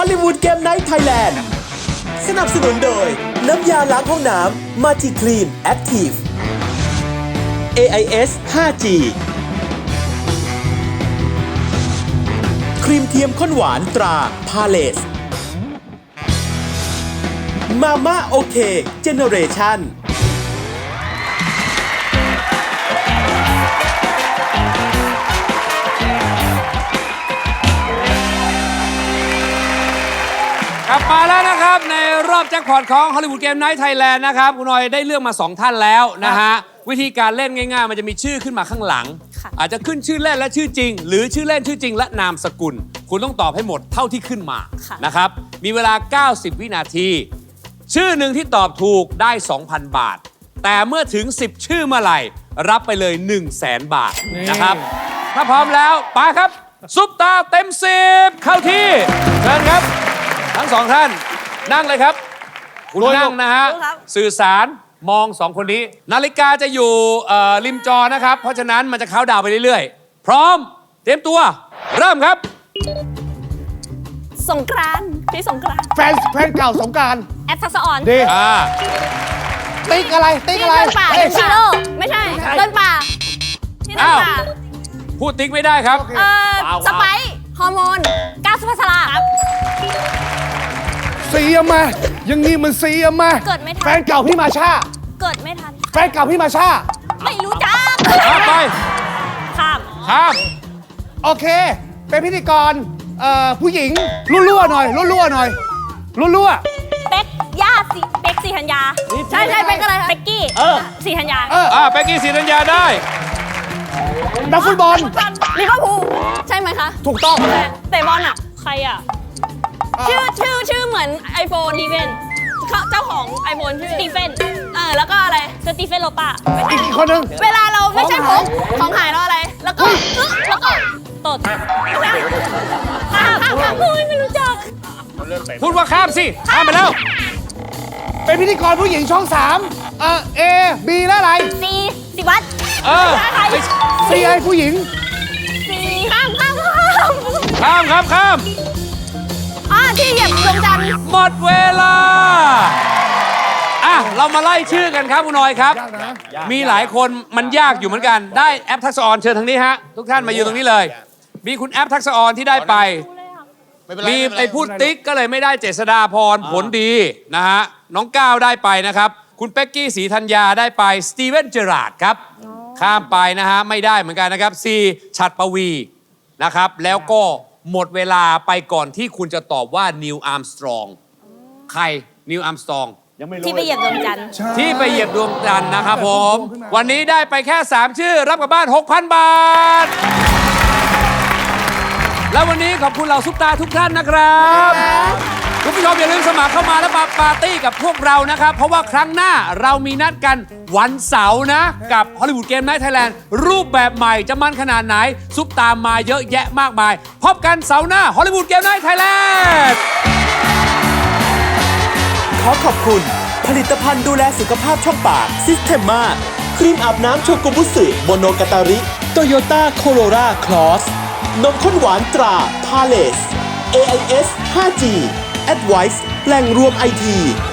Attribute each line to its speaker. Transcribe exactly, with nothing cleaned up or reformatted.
Speaker 1: อลลีวูดเกมไนท์ไทยแลนด์สนับสนุนโดยน้ำยาล้างห้องน้ำมาทีคลีนแอคทีฟ เอ ไอ เอส ไฟว์ จี ครีมเทียมข้นหวานตราพาเลสมาม่าโอเคเจเนเรชั่น
Speaker 2: กลับมาแล้วนะครับในรอบแจ็คพอตของ Hollywood Game Night Thailand นะครับคุณหน่อยได้เลือกมาสองท่านแล้วนะฮะวิธีการเล่นง่ายๆมันจะมีชื่อขึ้นมาข้างหลังอาจจะขึ้นชื่อเล่นและชื่อจริงหรือชื่อเล่นชื่อจริงและนามสกุลคุณต้องตอบให้หมดเท่าที่ขึ้นมานะครับมีเวลาเก้าสิบวินาทีชื่อหนึ่งที่ตอบถูกได้ สองพัน บาทแต่เมื่อถึงสิบชื่อเมื่อไหร่รับไปเลย หนึ่งแสน บาทนะครับถ้าพร้อมแล้วไปครับซุปตาเต็มสิบเข้าที่เชิญครับทั้งสองท่านนั่งเลยครับคุณนั่งนะฮะสื่อสารมองสองคนนี้นาฬิกาจะอยู่ริมจอนะครับเพราะฉะนั้นมันจะเข้าดาวไปเรื่อยๆพร้อมเตรียมตัวเริ่มครับ
Speaker 3: สงกรานต์พี่สงกรานต์
Speaker 4: แฟนแฟนเก่าสงกรานต์
Speaker 3: แอปทักษะออน
Speaker 4: ดีอ่าติ๊กอะไรติ๊กอะไร
Speaker 3: เดินป่าเดินชิโร่ไม่ใช่เดินป่าที่เดินป่า
Speaker 2: พูดติ๊กไม่ได้ครับ
Speaker 3: เออสไปซ์ฮอร์โมนก้าวสุภาษาครับ
Speaker 4: ซีอะมายังงี้มันซีอะมา
Speaker 3: เกิดไม่ทัน
Speaker 4: แฟนเก่าพี่มาชา
Speaker 3: เกิดไม่ทัน
Speaker 4: แฟนเก่าพี่มาชา
Speaker 3: ไม่รู้จัก
Speaker 2: ข้ามไป
Speaker 3: ข้าม
Speaker 2: ข้าม
Speaker 4: โอเคเป็นพิธีกรเอ่อผู้หญิงรั่วๆหน่อยรั่วๆหน่อยรั่ว
Speaker 3: ๆเป๊กย่าสีเป๊กสีธัญญาใช่ใช่เป๊กอะไรเป๊กกี้สีธัญญา
Speaker 2: เอออ่าเป๊กกี้สีธัญญาได้
Speaker 4: นักฟุตบอล
Speaker 3: ลิเวอร์พูลใช่ไหมคะ
Speaker 4: ถูกต้อง
Speaker 3: แต่บอลอ่ะใครอ่ะชื่อชื่อชื่อเหมือนไอโฟนดีเวนเจ้าของไอโฟนชื่อสตีเฟนเออแล้วก็อะไรสตีเฟนโลปา
Speaker 4: อีกคนนึง
Speaker 3: เวลาเราไม่ใช่ผมของหายแล้วอะไรแล้วก็แล้วก็ตดข้ามข้ามพูดไม่รู้จัก
Speaker 2: พูดว่าข้ามสิข้ามไปแล้ว
Speaker 4: เป็นพิธีกรผู้หญิงช่องสามเออเอบีแล้วอะไร
Speaker 3: ซีสิวัตร
Speaker 2: เออ
Speaker 4: ซีไอผู้หญิง
Speaker 3: ซีข้ามข้าม
Speaker 2: ข้ามครับข้าม
Speaker 3: อ่าที่เหยียบดวงจันทร์
Speaker 2: หมดเวลาอ่ะเรามาไล่ชื่อกันครับคุณหน่อยครับมีหลายคนมันยากอยู่เหมือนกันได้แอปทักษะออนเชิญทางนี้ฮะทุกท่านมายืนตรงนี้เลยมีคุณแอปทักษะออนที่ได้ไปมีไอ้พูดติ๊กก็เลยไม่ได้เจษฎาพรผลดีนะฮะน้องก้าวได้ไปนะครับคุณเป๊กกี้ศรีธัญญาได้ไปสตีเวนเจอราร์ดครับข้ามไปนะฮะไม่ได้เหมือนกันนะครับซีฉัตรปวีนะครับแล้วก็หมดเวลาไปก่อนที่คุณจะตอบว่านิวอาร์มสตรองใครนิวอาร์มสตรอง
Speaker 3: ที่ไปเหยียบดวงจันทร์
Speaker 2: ที่ไปเหยียบดวงจันทร์นะครับผมวันนี้ได้ไปแค่สามชื่อรับกลับบ้าน หกพัน บาทแล้ววันนี้ขอบคุณเหล่าซุปตาทุกท่านนะครับคุณผู้ชมอย่าลืมสมัครเข้ามาแล้วมาปาร์ตี้กับพวกเรานะครับเพราะว่าครั้งหน้าเรามีนัดกันวันเสาร์นะกับ Hollywood Game Night Thailand รูปแบบใหม่จะมันขนาดไหนซุปตามาเยอะแยะมากมายพบกันเสาร์หน้า Hollywood Game Night Thailand
Speaker 1: ขอขอบคุณผลิตภัณฑ์ดูแลสุขภาพช่องปากซิสเทมมาครีมอาบน้ำโชกุบุสึโมโนกาตาริโตโยต้าโคโรราคลอสนมข้นหวานตราพาเลส เอ ไอ เอส ไฟว์ จี Advice แหล่งรวมไอที